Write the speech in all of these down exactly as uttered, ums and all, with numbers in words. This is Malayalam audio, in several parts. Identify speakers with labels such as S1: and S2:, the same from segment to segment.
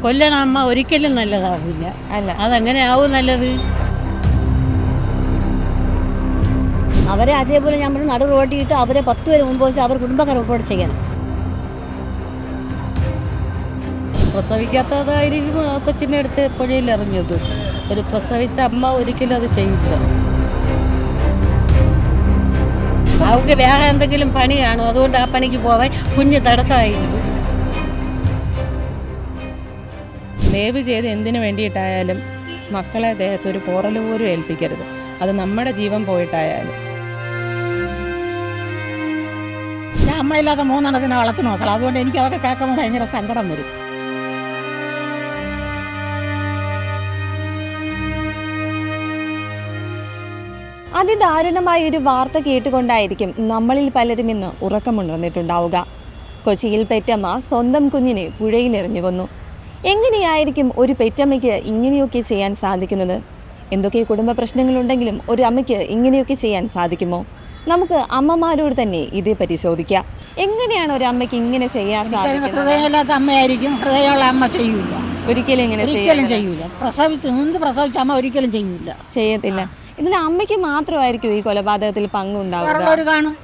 S1: കൊല്ലണ അമ്മ ഒരിക്കലും നല്ലതാവില്ല.
S2: അല്ല,
S1: അതെങ്ങനെ ആവും നല്ലത്?
S3: അവരെ അതേപോലെ നമ്മൾ നടു റോട്ടിയിട്ട് അവരെ പത്ത് പേര് മുമ്പ് വെച്ച് അവർ കുടുംബക്കാർ റിപ്പോർട്ട് ചെയ്യണം.
S1: പ്രസവിക്കാത്തതായിരിക്കും ആ കൊച്ചിനെ എടുത്ത് പുഴയിൽ എറിഞ്ഞത്. ഒരു പ്രസവിച്ച അമ്മ ഒരിക്കലും അത് ചെയ്യില്ല. അവർക്ക് വേറെ എന്തെങ്കിലും പണി കാണും, അതുകൊണ്ട് ആ പണിക്ക് പോവാൻ കുഞ്ഞ് തടസ്സമായിരിക്കും.
S4: ദയവ് ചെയ്ത് എന്തിനു വേണ്ടിയിട്ടായാലും മക്കളെ ദേഹത്ത് ഒരു പോറൽ പോലും ഏൽപ്പിക്കരുത്. അത് നമ്മുടെ ജീവൻ പോയിട്ടായാലും.
S5: ഞാൻ അമ്മയില്ലാത്ത മൂന്നെണ്ണത്തിനെ വളർത്തി നോക്കണം. അതുകൊണ്ട് എനിക്ക് അതൊക്കെ കേൾക്കുമ്പോൾ ഭയങ്കര സങ്കടം വരും.
S2: അതിദാരുണമായ ഒരു വാർത്ത കേട്ടുകൊണ്ടായിരിക്കും നമ്മളിൽ പലരും ഇന്ന് ഉറക്കമുണർന്നിട്ടുണ്ടാവുക. കൊച്ചിയിൽ പെറ്റമ്മ സ്വന്തം കുഞ്ഞിനെ പുഴയിലെറിഞ്ഞു കൊന്നു. എങ്ങനെയായിരിക്കും ഒരു പെറ്റമ്മയ്ക്ക് ഇങ്ങനെയൊക്കെ ചെയ്യാൻ സാധിക്കുന്നത്? എന്തൊക്കെ കുടുംബ പ്രശ്നങ്ങളുണ്ടെങ്കിലും ഒരു അമ്മയ്ക്ക് ഇങ്ങനെയൊക്കെ ചെയ്യാൻ സാധിക്കുമോ? നമുക്ക് അമ്മമാരോട് തന്നെ ഇതേപ്പറ്റി ചോദിക്കാം. എങ്ങനെയാണ് ഒരു അമ്മയ്ക്ക് ഇങ്ങനെ ചെയ്യാൻ സാധിക്കുന്നത്?
S5: ഹൃദയമില്ലാത്ത അമ്മയായിരിക്കും. ഹൃദയമുള്ള അമ്മ ചെയ്യൂല,
S2: ഒരിക്കലും ഇങ്ങനെ
S5: ഒരിക്കലും ചെയ്യൂല. പ്രസവിച്ച് നിന്ന് പ്രസവിച്ച അമ്മ ഒരിക്കലും ചെയ്യൂല,
S2: ചെയ്യത്തില്ല. ഇതിൽ അമ്മയ്ക്ക് മാത്രമായിരിക്കും ഈ കൊലപാതകത്തിൽ പങ്കുണ്ടാവുക?
S5: കാണും,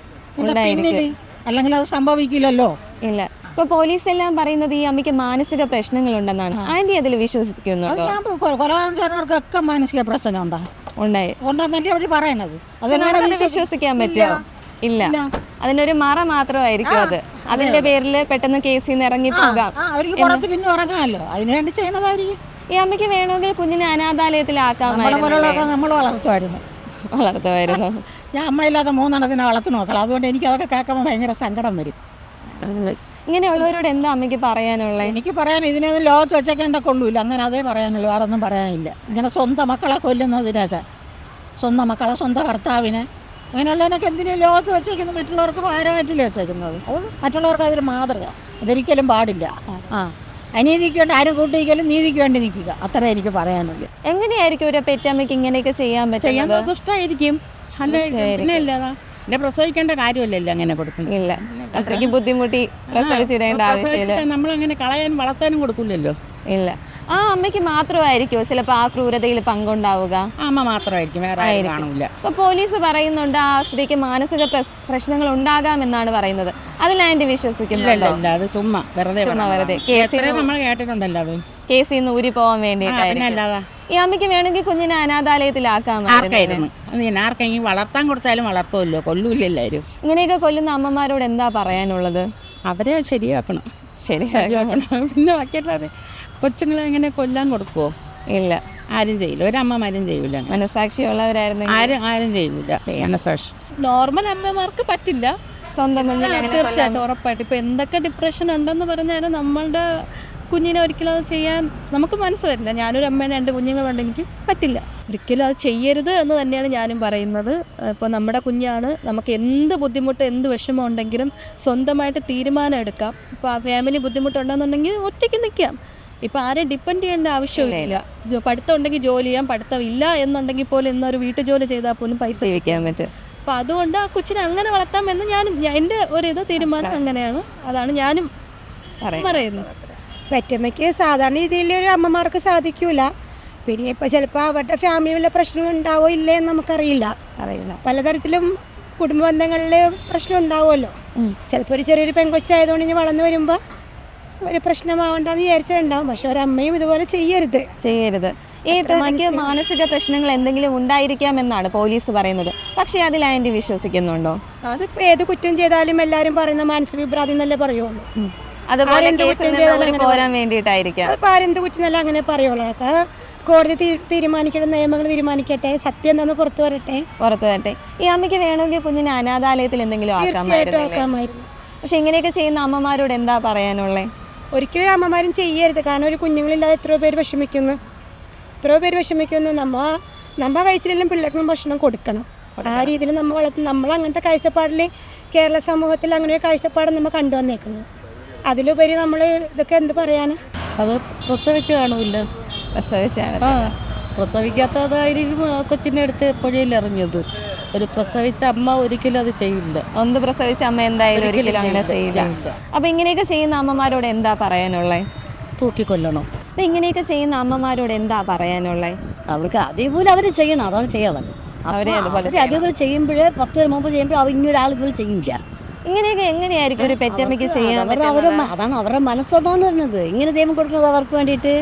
S5: അല്ലെങ്കിൽ അത് സംഭവിക്കില്ലല്ലോ.
S2: ഇല്ല. ഇപ്പൊ പോലീസ് എല്ലാം പറയുന്നത് ഈ അമ്മയ്ക്ക് മാനസിക പ്രശ്നങ്ങളുണ്ടെന്നാണ്. ആന്റി അതിൽ വിശ്വസിക്കുന്നുണ്ടോ?
S5: കൊലപാതകർക്കൊക്കെ മാനസിക പ്രശ്നം ഉണ്ടായി ഉണ്ടെന്നല്ലേ അവർ പറയണത്. അതെങ്ങനെ
S2: വിശ്വസിക്കാൻ പറ്റുമോ? ഇല്ല. അതിനൊരു മറ മാത്രമായിരിക്കും അത്. അതിന്റെ പേരിൽ പെട്ടെന്ന് കേസിൽ നിന്ന് ഇറങ്ങി പോകാം.
S5: അവർക്ക് പുറത്ത് പിന്നെ ഇറങ്ങാമല്ലോ, അതിനുവേണ്ടി ചെയ്യണതായിരിക്കും.
S2: ഈ അമ്മയ്ക്ക് വേണമെങ്കിൽ കുഞ്ഞിനെ അനാഥാലയത്തിലാക്കാമായിരുന്നു.
S5: നമ്മൾ വളർത്തുമായിരുന്നു
S2: വളർത്തുമായിരുന്നു
S5: ഞാൻ അമ്മയില്ലാത്ത മൂന്നെണ്ണത്തിനെ വളർത്തി നോക്കണം. അതുകൊണ്ട് എനിക്ക് അതൊക്കെ കേൾക്കുമ്പോൾ ഭയങ്കര സങ്കടം വരും.
S2: ഇങ്ങനെയുള്ളവരോട് എന്താ അമ്മയ്ക്ക് പറയാനുള്ളത്?
S5: എനിക്ക് പറയാൻ ഇതിനൊന്നും ലോകത്ത് വെച്ചേക്കേണ്ട കൊള്ളൂല്ല. അങ്ങനെ അതേ പറയാനുള്ളൂ, വേറെ ഒന്നും പറയാനില്ല. ഇങ്ങനെ സ്വന്തം മക്കളെ കൊല്ലുന്നതിനൊക്കെ, സ്വന്തം മക്കളെ സ്വന്തം ഭർത്താവിനെ, അങ്ങനെയുള്ളതിനൊക്കെ എന്തിനും ലോകത്ത് വെച്ചേക്കുന്നത്? മറ്റുള്ളവർക്ക് ഭാരമായിട്ടില്ല വെച്ചേക്കുന്നത്. അത് മറ്റുള്ളവർക്ക് അതൊരു മാതൃക. അതൊരിക്കലും പാടില്ല. ആ അനീതിക്ക് വേണ്ടി ആരും കൂട്ടിക്കലും നീതിക്ക് വേണ്ടി നിൽക്കുക, അത്ര എനിക്ക് പറയാനുള്ളൂ.
S2: എങ്ങനെയായിരിക്കും ഒരു പെറ്റമ്മയ്ക്ക് ഇങ്ങനെയൊക്കെ ചെയ്യാൻ പറ്റും?
S4: ദുഷ്ടായിരിക്കും. പിന്നെ ഇല്ലതാ എന്നെ പ്രസവിക്കേണ്ട കാര്യമല്ലല്ലോ അങ്ങനെ കൊടുക്കുന്നത്.
S2: ഇല്ല, അത്രയ്ക്ക് ബുദ്ധിമുട്ടി പ്രസവിച്ചിടേണ്ട ആവശ്യമില്ല.
S4: നമ്മളങ്ങനെ കളയാനും വളർത്താനും കൊടുക്കില്ലല്ലോ.
S2: ഇല്ല. ആ അമ്മയ്ക്ക് മാത്രമായിരിക്കുമോ ചിലപ്പോൾ ആ ക്രൂരതയിൽ പങ്കുണ്ടാവുക?
S4: അമ്മ മാത്രമായിരിക്കും, വേറെ ആരും കാണില്ല.
S2: ഇപ്പൊ പോലീസ് പറയുന്നുണ്ട് ആ സ്ത്രീക്ക് മാനസിക പ്രശ്നങ്ങൾ ഉണ്ടാകാമെന്നാണ് പറയുന്നത്. അതിൽ ആന്റി വിശ്വസിക്കുന്നുണ്ടോ?
S4: അത് ചുമ്മാ വെറുതെ
S2: വെറുതെ
S4: നമ്മൾ കേട്ടിട്ടുണ്ടല്ലോ. അത്
S2: കേസിൽ നിന്ന് ഊരി പോകാൻ വേണ്ടിയിട്ടായിരുന്നു. ഈ അമ്മയ്ക്ക് വേണമെങ്കിൽ കുഞ്ഞിനെ അനാഥാലയത്തിലാക്കാമായിരുന്നു.
S4: ആർക്കെങ്കിലും വളർത്താൻ കൊടുത്താലും വളർത്തുമല്ലോ, കൊല്ലൂല്ല എല്ലാവരും.
S2: ഇങ്ങനെയൊക്കെ കൊല്ലുന്ന അമ്മമാരോട് എന്താ പറയാനുള്ളത്?
S4: അവരെ ശരിയാക്കണം,
S2: ശരിയാക്കണം.
S4: പിന്നെ ബാക്കിയല്ലാതെ കൊച്ചുങ്ങളെ എങ്ങനെ കൊല്ലാൻ കൊടുക്കുവോ?
S2: ഇല്ല,
S4: ആരും ചെയ്യില്ല. ഒരമ്മമാരും ചെയ്യൂല.
S2: മനസാക്ഷിയുള്ളവരായിരുന്നു
S4: ആരും ആരും ചെയ്യൂല. മനസാക്ഷി
S6: നോർമൽ അമ്മമാർക്ക് പറ്റില്ല.
S2: സ്വന്തം കുഞ്ഞിനെ
S6: തീർച്ചയായിട്ടും ഉറപ്പായിട്ട്. ഇപ്പം എന്തൊക്കെ ഡിപ്രഷൻ ഉണ്ടെന്ന് പറഞ്ഞാലും നമ്മളുടെ കുഞ്ഞിനെ ഒരിക്കലും അത് ചെയ്യാൻ നമുക്ക് മനസ്സ് വരില്ല. ഞാനൊരു അമ്മയുടെ രണ്ട് കുഞ്ഞുങ്ങളുണ്ട്, എനിക്ക് പറ്റില്ല. ഒരിക്കലും അത് ചെയ്യരുത് എന്ന് തന്നെയാണ് ഞാനും പറയുന്നത്. ഇപ്പോൾ നമ്മുടെ കുഞ്ഞാണ്, നമുക്ക് എന്ത് ബുദ്ധിമുട്ട് എന്ത് വിഷമം ഉണ്ടെങ്കിലും സ്വന്തമായിട്ട് തീരുമാനം എടുക്കാം. ഇപ്പോൾ ആ ഫാമിലി ബുദ്ധിമുട്ടുണ്ടെന്നുണ്ടെങ്കിൽ ഒറ്റയ്ക്ക് നിൽക്കാം. ഇപ്പോൾ ആരെയും ഡിപ്പെൻഡ് ചെയ്യേണ്ട ആവശ്യമില്ല. പഠിത്തം ഉണ്ടെങ്കിൽ ജോലി ചെയ്യാം, പഠിത്തം ഇല്ല എന്നുണ്ടെങ്കിൽ പോലും എന്നൊരു വീട്ടു ജോലി ചെയ്താൽ പോലും പൈസ
S2: ജീവിക്കാൻ പറ്റും.
S6: അപ്പോൾ അതുകൊണ്ട് ആ കൊച്ചിനെ അങ്ങനെ വളർത്താമെന്ന് ഞാനും എൻ്റെ ഒരിത് തീരുമാനം അങ്ങനെയാണ്. അതാണ് ഞാനും പറയുന്നത്.
S7: പെറ്റമ്മയ്ക്ക് സാധാരണ രീതിയിൽ ഒരു അമ്മമാർക്ക് സാധിക്കൂല. പിന്നെ ഇപ്പോൾ ചിലപ്പോൾ അവരുടെ ഫാമിലി വല്ല പ്രശ്നങ്ങൾ ഉണ്ടാവോ ഇല്ലേ എന്ന് നമുക്കറിയില്ല. അറിയില്ല. പലതരത്തിലും കുടുംബ ബന്ധങ്ങളിൽ പ്രശ്നം ഉണ്ടാവുമല്ലോ. ചിലപ്പോൾ ഒരു ചെറിയൊരു പെങ്കൊച്ചായതുകൊണ്ട് ഇനി വളർന്നു വരുമ്പോൾ ഒരു പ്രശ്നമാവണ്ടെന്ന് വിചാരിച്ചിട്ടുണ്ടാവും. പക്ഷെ ഒരമ്മയും ഇതുപോലെ ചെയ്യരുത്
S2: ചെയ്യരുത് ഈ പ്രതിക്ക് മാനസിക പ്രശ്നങ്ങൾ എന്തെങ്കിലും ഉണ്ടായിരിക്കാമെന്നാണ് പോലീസ് പറയുന്നത്. പക്ഷേ അതിൽ ആന്റി വിശ്വസിക്കുന്നുണ്ടോ?
S7: അതിപ്പോൾ ഏത് കുറ്റം ചെയ്താലും എല്ലാവരും പറയുന്ന മാനസിക വിഭ്രാന്തി എന്നല്ലേ പറയുള്ളൂ.
S2: അതുപോലെ പോരാൻ വേണ്ടിയിട്ടായിരിക്കാം.
S7: അതിപ്പോൾ ആരെന്ത് കുറ്റം അങ്ങനെ പറയുള്ളൂ. അതൊക്കെ കോടതി തീരുമാനിക്കട്ടെ, നിയമങ്ങൾ തീരുമാനിക്കട്ടെ, സത്യം എന്താണെന്ന് പുറത്തു വരട്ടെ
S2: പുറത്തു വരട്ടെ ഈ അമ്മയ്ക്ക് വേണമെങ്കിൽ കുഞ്ഞിനെ അനാഥാലയത്തിൽ എന്തെങ്കിലും ആക്കാമായിരുന്നു. പക്ഷെ ഇങ്ങനെയൊക്കെ ചെയ്യുന്ന അമ്മമാരോട് എന്താ പറയാനുള്ളത്?
S7: ഒരിക്കലും അമ്മമാരും ചെയ്യരുത്. കാരണം ഒരു കുഞ്ഞുങ്ങളില്ലാതെ എത്രയോ പേര് വിഷമിക്കുന്നു, എത്രയോ പേര് വിഷമിക്കുന്നു. നമ്മ നമ്മ കഴിച്ചില്ലെങ്കിലും പിള്ളേർക്കും ഭക്ഷണം കൊടുക്കണം. ആ രീതിയിൽ നമ്മൾ വളർത്തും. നമ്മൾ അങ്ങനത്തെ കാഴ്ചപ്പാടിൽ കേരള സമൂഹത്തിൽ അങ്ങനെ ഒരു കാഴ്ചപ്പാട് നമ്മൾ കണ്ടുവന്നേക്കുന്നത്. അതിലുപരി നമ്മൾ ഇതൊക്കെ എന്ത് പറയാനാ?
S1: അത് പ്രസവിച്ച് കാണൂല്ല.
S2: പ്രസവിച്ചാണ്.
S1: ആ പ്രസവിക്കാത്തതായിരിക്കും ആ കൊച്ചിനെ എടുത്ത് പുഴയിൽ എറിഞ്ഞത്. ഒരു പ്രസവിച്ച അമ്മ ഒരിക്കലും അത് ചെയ്യില്ല.
S2: ഒന്ന് പ്രസവിച്ച അമ്മ എന്തായാലും ഒരിക്കലും അങ്ങനെ ചെയ്യില്ല. അപ്പൊ ഇങ്ങനെയൊക്കെ ചെയ്യുന്ന അമ്മമാരോട് എന്താ പറയാനുള്ളത്?
S1: തൂക്കിക്കൊല്ലണം.
S2: അപ്പം ഇങ്ങനെയൊക്കെ ചെയ്യുന്ന അമ്മമാരോട് എന്താ പറയാനുള്ളത്?
S3: അവർക്ക് അതേപോലെ അവർ ചെയ്യണം, അതാണ് ചെയ്യാനുള്ളത്.
S2: അവരെ അതുപോലെ
S3: അവര് അതേപോലെ ചെയ്യുമ്പോഴേ പത്ത് പേര് മുമ്പ് ചെയ്യുമ്പോൾ അവർ ഇനിയൊരാൾ ഇതുപോലെ ചെയ്യില്ല.
S2: ഇങ്ങനെയൊക്കെ എങ്ങനെയായിരിക്കും ഒരു പെറ്റമ്മയ്ക്ക് ചെയ്യാൻ
S3: അവർ അവരുടെ മ- അതാണ് അവരുടെ മനസ്സതാണ് പറഞ്ഞത്. ഇങ്ങനെ ദൈവം കൊടുക്കുന്നത് അവർക്ക് വേണ്ടിയിട്ട്,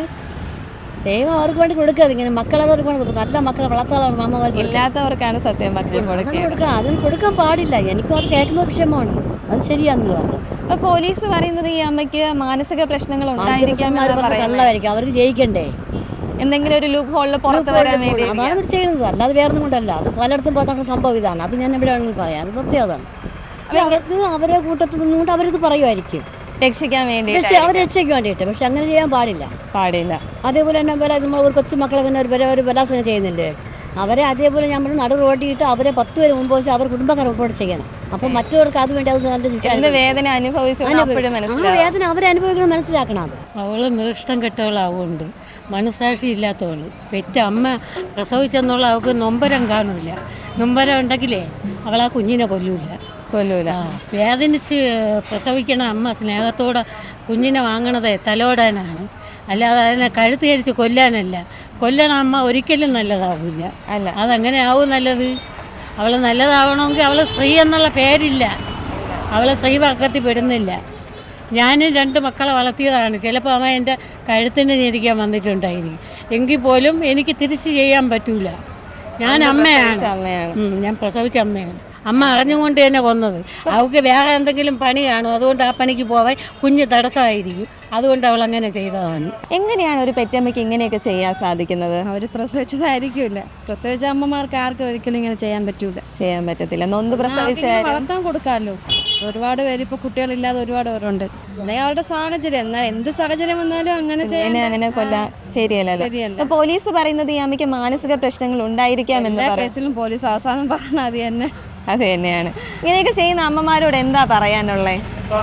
S3: ദൈവം അവർക്ക് വേണ്ടി കൊടുക്കാതെ ഇങ്ങനെ മക്കളെ അവർക്ക് വേണ്ടി കൊടുക്കും. നല്ല മക്കളെ വളർത്താനുള്ള അമ്മമാർക്ക്
S2: ഇല്ലാത്തവർക്കാണ് സത്യം പറഞ്ഞു കൊടുക്കുക.
S3: കൊടുക്കാം. അതിന് കൊടുക്കാൻ പാടില്ല. എനിക്കും അത് കേൾക്കുന്ന ഒരു വിഷയമാണ്. അത് ശരിയാണെന്ന് പറഞ്ഞത്.
S2: അപ്പൊ പോലീസ് പറയുന്നത് ഈ അമ്മയ്ക്ക് മാനസിക പ്രശ്നങ്ങൾ ഉണ്ടായിരിക്കാം എന്നാണ് പറയുന്നത്.
S3: കള്ളമായിരിക്കും, അവർക്ക് ജയിക്കണ്ടേ,
S2: എന്തെങ്കിലും ഒരു ലൂപ്പ് ഹോളിൽ പുറത്ത് വരാൻ വേണ്ടി.
S3: അതാണ് അവർ ചെയ്യുന്നത്. അല്ലാതെ വേറെ ഒന്നും കൊണ്ടല്ല. അത് പലയിടത്തും പോകുന്ന സംഭവം ഇതാണ്. അത് ഞാൻ എവിടെ വേണമെങ്കിൽ പറയാം, അത് സത്യം അതാണ്. പക്ഷെ അവർക്ക് അവരെ കൂട്ടത്തിൽ നിന്നുകൊണ്ട് അവരിത് പറയുമായിരിക്കും,
S2: രക്ഷിക്കാൻ വേണ്ടി
S3: പക്ഷെ അവർ രക്ഷയ്ക്ക് വേണ്ടിയിട്ട്. പക്ഷെ അങ്ങനെ ചെയ്യാൻ പാടില്ല,
S2: പാടില്ല.
S3: അതേപോലെ തന്നെ പോലെ നമ്മൾ ഒരു കൊച്ചു മക്കളെ തന്നെ ഒരു ഒരു ബലാത്സംഗം ചെയ്യുന്നില്ലേ, അവരെ അതേപോലെ നമ്മൾ നടു റോട്ടിയിട്ട് അവരെ പത്ത് പേര് മുമ്പ് വെച്ച് അവർ കുടുംബക്കാർ റിപ്പോർട്ട് ചെയ്യണം. അപ്പം മറ്റവർക്ക് അത് വേണ്ടി അത് നല്ല ശിക്ഷ,
S2: എന്ത് വേദന അനുഭവിച്ചു അപ്പോഴും
S3: ആ
S2: മനസ്സിലാവും.
S3: വേദന അവരെ അനുഭവിക്കണം, മനസ്സിലാക്കണം. അത്
S8: അവൾ നിഷ്ഠം കെട്ടവളാവുകൊണ്ട് മനസാക്ഷി ഇല്ലാത്തവൾ. പെറ്റ അമ്മ പ്രസവിച്ചെന്നുള്ള അവൾക്ക് നൊമ്പരം കാണില്ല. നൊമ്പരം ഉണ്ടെങ്കിലേ അവൾ ആ കുഞ്ഞിനെ കൊല്ലൂല
S2: കൊല്ലൂല.
S8: ആ വേദനിച്ച് പ്രസവിക്കണ അമ്മ സ്നേഹത്തോടെ കുഞ്ഞിനെ വാങ്ങണത് തലോടാനാണ്, അല്ലാതെ അതിനെ കഴുത്ത് കരിച്ച് കൊല്ലാനല്ല. കൊല്ലണ അമ്മ ഒരിക്കലും നല്ലതാവില്ല.
S2: അല്ല,
S8: അതങ്ങനെ ആവും നല്ലത്. അവൾ നല്ലതാവണമെങ്കിൽ അവൾ സ്ത്രീ എന്നുള്ള പേരില്ല, അവൾ സ്ത്രീവർഗത്തിൽ പെടുന്നില്ല. ഞാനും രണ്ട് മക്കളെ വളർത്തിയതാണ്. ചിലപ്പോൾ അമ്മ എൻ്റെ കഴുത്തിന് ഞെരിക്കാൻ വന്നിട്ടുണ്ടായിരിക്കും. എങ്കിൽ പോലും എനിക്ക് തിരിച്ച് ചെയ്യാൻ പറ്റൂല. ഞാൻ അമ്മയാണ്,
S2: അമ്മയാണ്.
S8: ഉം, ഞാൻ പ്രസവിച്ച അമ്മയാണ്. അമ്മ അറിഞ്ഞുകൊണ്ട് തന്നെ കൊന്നത്. അവൾക്ക് വേറെ എന്തെങ്കിലും പണി കാണും, അതുകൊണ്ട് ആ പണിക്ക് പോവാൻ കുഞ്ഞ് തടസ്സമായിരിക്കും. അതുകൊണ്ട് അവൾ അങ്ങനെ ചെയ്തതാണ്.
S2: എങ്ങനെയാണ് ഒരു പെറ്റമ്മയ്ക്ക് ഇങ്ങനെയൊക്കെ ചെയ്യാൻ സാധിക്കുന്നത്?
S6: അവർ പ്രസവിച്ചതായിരിക്കില്ല. പ്രസവിച്ച അമ്മമാർക്ക് ആർക്കും ഒരിക്കലും ഇങ്ങനെ ചെയ്യാൻ പറ്റൂല.
S2: ചെയ്യാൻ പറ്റത്തില്ല. നൊന്ത് പ്രസവിച്ച
S6: വളർത്താൻ കൊടുക്കാമല്ലോ. ഒരുപാട് പേര് ഇപ്പോൾ കുട്ടികളില്ലാതെ ഒരുപാട് പേരുണ്ട്. അല്ലെങ്കിൽ അവരുടെ സാഹചര്യം, എന്നാൽ എന്ത് സാഹചര്യം വന്നാലും അങ്ങനെ ചെയ്യാൻ
S2: അങ്ങനെ കൊല്ലാൻ ശരിയല്ലല്ലോ.
S6: ശരിയല്ല.
S2: അപ്പൊ പോലീസ് പറയുന്നത് ഈ അമ്മയ്ക്ക് മാനസിക പ്രശ്നങ്ങൾ ഉണ്ടായിരിക്കാം എന്ന്
S6: എല്ലാ
S2: പറയും.
S6: കേസിലും പോലീസ് അവസാനം പറഞ്ഞാൽ അത് തന്നെ.
S2: അത് തന്നെയാണ്. ഇങ്ങനെയൊക്കെ ചെയ്യുന്ന അമ്മമാരോട് എന്താ പറയാനുള്ളത്?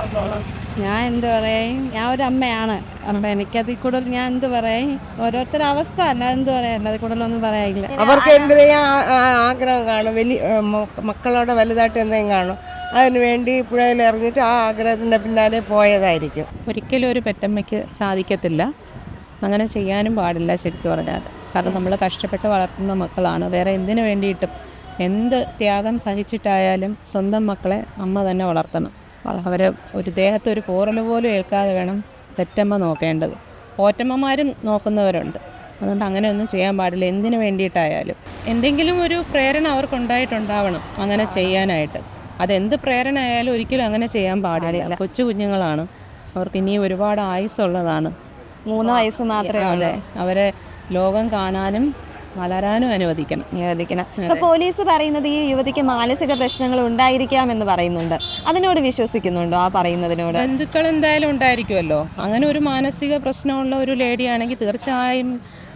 S6: ഞാൻ എന്ത് പറയും, ഞാൻ ഒരു അമ്മയാണ്. അപ്പം എനിക്കതിൽ കൂടുതൽ ഞാൻ എന്ത് പറയും, ഓരോരുത്തരുടെ അവസ്ഥ അല്ല എന്ത് പറയാനില്ല, അതിൽ കൂടുതലൊന്നും പറയാനില്ല.
S9: അവർക്ക് എന്തിനാ ആഗ്രഹം കാണും, വലിയ മക്കളോടെ വലുതായിട്ട് എന്തെങ്കിലും കാണും, അതിന് വേണ്ടി പുഴയിൽ ഇറങ്ങിയിട്ട് ആ ആഗ്രഹത്തിൻ്റെ പിന്നാലെ പോയതായിരിക്കും.
S4: ഒരിക്കലും ഒരു പെറ്റമ്മയ്ക്ക് സാധിക്കത്തില്ല, അങ്ങനെ ചെയ്യാനും പാടില്ല ശരിക്കും പറഞ്ഞാൽ. കാരണം നമ്മൾ കഷ്ടപ്പെട്ട് വളർത്തുന്ന മക്കളാണ്. വേറെ എന്തിനു വേണ്ടിയിട്ടും എന്ത് ത്യാഗം സഹിച്ചിട്ടായാലും സ്വന്തം മക്കളെ അമ്മ തന്നെ വളർത്തണം. അവർ ഒരു ദേഹത്ത് ഒരു പോറൽ പോലും ഏൽക്കാതെ വേണം പെറ്റമ്മ നോക്കേണ്ടത്. പോറ്റമ്മമാരും നോക്കുന്നവരുണ്ട്. അതുകൊണ്ട് അങ്ങനെയൊന്നും ചെയ്യാൻ പാടില്ല, എന്തിനു വേണ്ടിയിട്ടായാലും. എന്തെങ്കിലും ഒരു പ്രേരണ അവർക്കുണ്ടായിട്ടുണ്ടാവണം അങ്ങനെ ചെയ്യാനായിട്ട്. അതെന്ത് പ്രേരണ ആയാലും ഒരിക്കലും അങ്ങനെ ചെയ്യാൻ പാടില്ല. കൊച്ചു കുഞ്ഞുങ്ങളാണ്, അവർക്ക് ഇനിയും ഒരുപാട് ആയുസ്സുള്ളതാണ്.
S2: മൂന്ന് വയസ്സ് മാത്രമേ
S4: അതെ, അവരെ ലോകം കാണാനും വളരാനും അനുവദിക്കണം
S2: അനുവദിക്കണം. അപ്പൊ പോലീസ് പറയുന്നത് ഈ യുവതിക്ക് മാനസിക പ്രശ്നങ്ങൾ ഉണ്ടായിരിക്കാം എന്ന് പറയുന്നുണ്ട്. അതിനോട് വിശ്വസിക്കുന്നുണ്ടോ? ആ പറയുന്നതിനോട്
S4: ബന്ധുക്കൾ എന്തായാലും ഉണ്ടായിരിക്കുമല്ലോ. അങ്ങനെ ഒരു മാനസിക പ്രശ്നമുള്ള ഒരു ലേഡി ആണെങ്കിൽ തീർച്ചയായും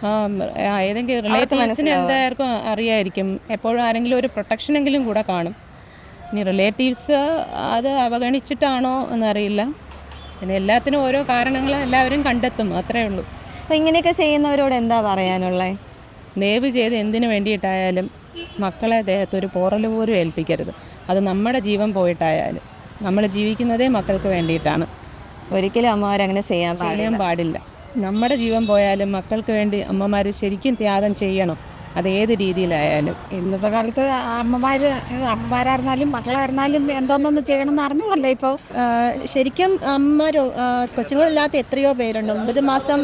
S4: ഏതെങ്കിലും റിലേറ്റീവ്സിന് എന്തായിരിക്കും അറിയായിരിക്കും. എപ്പോഴും ആരെങ്കിലും ഒരു പ്രൊട്ടക്ഷനെങ്കിലും കൂടെ കാണും. ഇനി റിലേറ്റീവ്സ് അത് അവഗണിച്ചിട്ടാണോ എന്നറിയില്ല. പിന്നെ എല്ലാത്തിനും ഓരോ കാരണങ്ങൾ എല്ലാവരും കണ്ടെത്തും, അത്രേ ഉള്ളൂ.
S2: അപ്പൊ ഇങ്ങനെയൊക്കെ ചെയ്യുന്നവരോട് എന്താ പറയാനുള്ളത്?
S4: ദയവ് ചെയ്ത് എന്തിനു വേണ്ടിയിട്ടായാലും മക്കളെ ദേഹത്ത് ഒരു പോറൽ പോലും ഏൽപ്പിക്കരുത്. അത് നമ്മുടെ ജീവൻ പോയിട്ടായാലും. നമ്മൾ ജീവിക്കുന്നതേ മക്കൾക്ക് വേണ്ടിയിട്ടാണ്.
S2: ഒരിക്കലും അമ്മമാരങ്ങനെ ചെയ്യാൻ
S4: ചെയ്യാൻ പാടില്ല. നമ്മുടെ ജീവൻ പോയാലും മക്കൾക്ക് വേണ്ടി അമ്മമാർ ശരിക്കും ത്യാഗം ചെയ്യണം, അതേത് രീതിയിലായാലും.
S5: ഇന്നത്തെ കാലത്ത് അമ്മമാർ അമ്മമാരായിരുന്നാലും മക്കളായിരുന്നാലും എന്തോന്നൊന്ന് ചെയ്യണമെന്ന് അറിഞ്ഞുള്ളൂ. ഇപ്പോൾ
S6: ശരിക്കും അമ്മ കൊച്ചുങ്ങളില്ലാത്ത എത്രയോ പേരുണ്ട്. ഒമ്പത് മാസം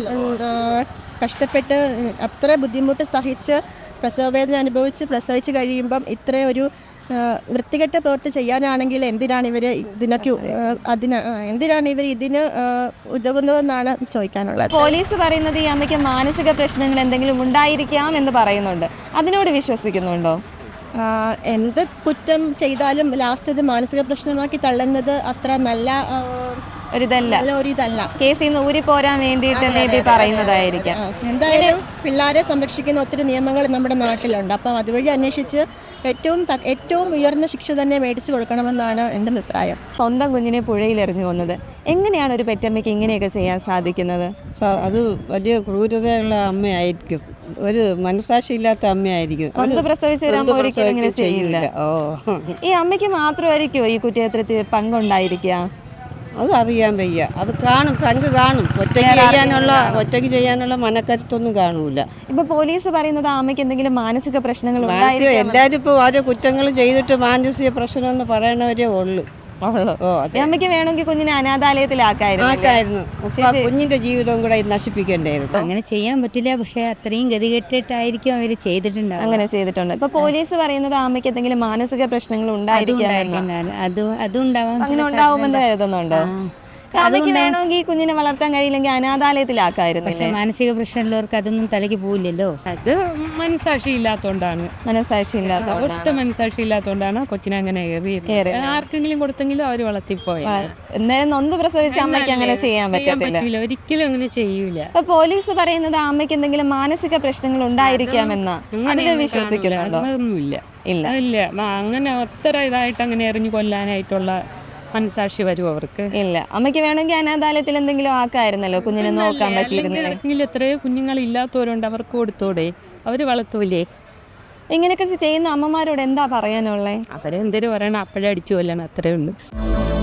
S6: കഷ്ടപ്പെട്ട് അത്ര ബുദ്ധിമുട്ട് സഹിച്ച് പ്രസവവേദന അനുഭവിച്ച് പ്രസവിച്ച് കഴിയുമ്പം ഇത്ര ഒരു വൃത്തികെട്ട പ്രവൃത്തി ചെയ്യാനാണെങ്കിൽ എന്തിനാണ് ഇവർ ഇതിനൊക്കെ അതിന് എന്തിനാണ് ഇവർ ഇതിന് ഉതകുന്നതെന്നാണ് ചോദിക്കാനുള്ളത്.
S2: പോലീസ് പറയുന്നത് ഈ അമ്മയ്ക്ക് മാനസിക പ്രശ്നങ്ങൾ എന്തെങ്കിലും ഉണ്ടായിരിക്കാം എന്ന് പറയുന്നുണ്ട്. അതിനോട് വിശ്വസിക്കുന്നുണ്ടോ?
S6: എന്ത് കുറ്റം ചെയ്താലും ലാസ്റ്റ് ഇത് മാനസിക പ്രശ്നമാക്കി തള്ളുന്നത് അത്ര നല്ല
S2: ഒരിതല്ല,
S6: ഒരിതല്ല.
S2: കേസിൽ നിന്ന് ഊരി പോരാൻ വേണ്ടിയിട്ട് മേ ബി പറയുന്നതായിരിക്കാം.
S6: എന്തായാലും പിള്ളേരെ സംരക്ഷിക്കുന്ന ഒത്തിരി നിയമങ്ങൾ നമ്മുടെ നാട്ടിലുണ്ട്. അപ്പം അതുവഴി അന്വേഷിച്ച് ഏറ്റവും ഏറ്റവും ഉയർന്ന ശിക്ഷ തന്നെ മേടിച്ചു കൊടുക്കണമെന്നാണ് എൻ്റെ അഭിപ്രായം.
S2: സ്വന്തം കുഞ്ഞിനെ പുഴയിൽ എറിഞ്ഞു കൊന്നത് എങ്ങനെയാണ് ഒരു പെറ്റമ്മയ്ക്ക് ഇങ്ങനെയൊക്കെ ചെയ്യാൻ സാധിക്കുന്നത്?
S10: അത് വലിയ ക്രൂരതയുള്ള അമ്മയായിരിക്കും, ഒരു മനസാക്ഷി ഇല്ലാത്ത അമ്മയായിരിക്കും.
S2: ഒന്ന് പ്രസവിച്ച ഒരു അമ്മ ഒരിക്കലും ഇങ്ങനെ ചെയ്യില്ല.
S10: ഓ
S2: ഈ അമ്മയ്ക്ക് മാത്രമായിരിക്കുമോ ഈ കുറ്റകൃത്യത്തിൽ പങ്കുണ്ടായിരിക്കുക?
S10: അത് അറിയാൻ വയ്യ. അത് കാണും, പങ്ക് കാണും. ഒറ്റയ്ക്ക് ചെയ്യാനുള്ള ഒറ്റയ്ക്ക് ചെയ്യാനുള്ള മനക്കരുത്തൊന്നും കാണൂല.
S2: ഇപ്പൊ പോലീസ് പറയുന്നത് ആ അമ്മയ്ക്ക് എന്തെങ്കിലും മാനസിക പ്രശ്നങ്ങൾ
S10: മാനസിക എല്ലാവരും ഇപ്പോൾ ഓരോ കുറ്റങ്ങൾ ചെയ്തിട്ട് മാനസിക പ്രശ്നമെന്ന് പറയണവരേ ഉള്ളു.
S2: ഉള്ളൂ.
S10: ഓ
S2: ഈ അമ്മയ്ക്ക് വേണമെങ്കിൽ കുഞ്ഞിനെ അനാഥാലയത്തിലാക്കായിരുന്നു.
S10: ആക്കായിരുന്നു. ആ കുഞ്ഞിന്റെ ജീവിതവും കൂടെ നശിപ്പിക്കണ്ടായിരുന്നു.
S11: അങ്ങനെ ചെയ്യാൻ പറ്റില്ല, പക്ഷെ അത്രയും ഗതികെട്ടിട്ടായിരിക്കും അവർ ചെയ്തിട്ടുണ്ടാവും.
S2: അങ്ങനെ ചെയ്തിട്ടുണ്ട്. ഇപ്പൊ പോലീസ് പറയുന്നത് ആ അമ്മയ്ക്ക് എന്തെങ്കിലും മാനസിക പ്രശ്നങ്ങൾ ഉണ്ടായിരിക്കാം,
S11: അത് അതും ഉണ്ടാവാൻ
S2: അങ്ങനെ ഉണ്ടാവുമെന്ന് കരുതുന്നുണ്ടോ? അമ്മയ്ക്ക് വേണമെങ്കിൽ കുഞ്ഞിനെ വളർത്താൻ കഴിയില്ലെങ്കിൽ അനാഥാലയത്തിലാക്കായിരുന്നു.
S11: പക്ഷെ മാനസിക പ്രശ്നമുള്ളവർക്ക് അതൊന്നും തലയ്ക്ക് പോവില്ലല്ലോ.
S4: അത് മനസാക്ഷി ഇല്ലാത്തോണ്ടാണ്.
S2: മനസാക്ഷി ഇല്ലാത്തതുകൊണ്ട്
S4: ഒട്ടും മനസാക്ഷി ഇല്ലാത്തോണ്ടാണ് കൊച്ചിനെ അങ്ങനെ ഏറിയത്. ആർക്കെങ്കിലും കൊടുത്തെങ്കിലും അവർ വളർത്തിപ്പോയി.
S2: എന്തായാലും നൊന്ത് പ്രസവിച്ച അമ്മയ്ക്ക് അങ്ങനെ ചെയ്യാൻ പറ്റത്തില്ല.
S4: ഒരിക്കലും അങ്ങനെ ചെയ്യൂല.
S2: അപ്പൊ പോലീസ് പറയുന്നത് ആ അമ്മയ്ക്ക് എന്തെങ്കിലും മാനസിക പ്രശ്നങ്ങൾ ഉണ്ടായിരിക്കാമെന്ന് അതിൽ വിശ്വസിക്കുന്നുണ്ടോ?
S4: ഒന്നുമില്ല.
S2: ഇല്ല
S4: ഇല്ല, അങ്ങനെ അത്ര ഇതായിട്ട് അങ്ങനെ എറിഞ്ഞു കൊല്ലാനായിട്ടുള്ള മനസാക്ഷി വരും അവർക്ക്.
S2: ഇല്ല. അമ്മയ്ക്ക് വേണമെങ്കിൽ അനാഥാലയത്തിൽ എന്തെങ്കിലും ആക്കായിരുന്നല്ലോ, കുഞ്ഞിനെ നോക്കാൻ പറ്റിയിരുന്നില്ല.
S4: എത്രയോ കുഞ്ഞുങ്ങൾ ഇല്ലാത്തവരുണ്ട്, അവർക്ക് കൊടുത്തോടെ, അവര് വളർത്തൂലേ?
S2: ഇങ്ങനെയൊക്കെ ചെയ്യുന്ന അമ്മമാരോട് എന്താ പറയാനുള്ളത്?
S4: അവരെന്തൊരു പറയണം, അപ്പോഴേ അടിച്ചു കൊല്ലണം, അത്രേ ഉള്ളൂ.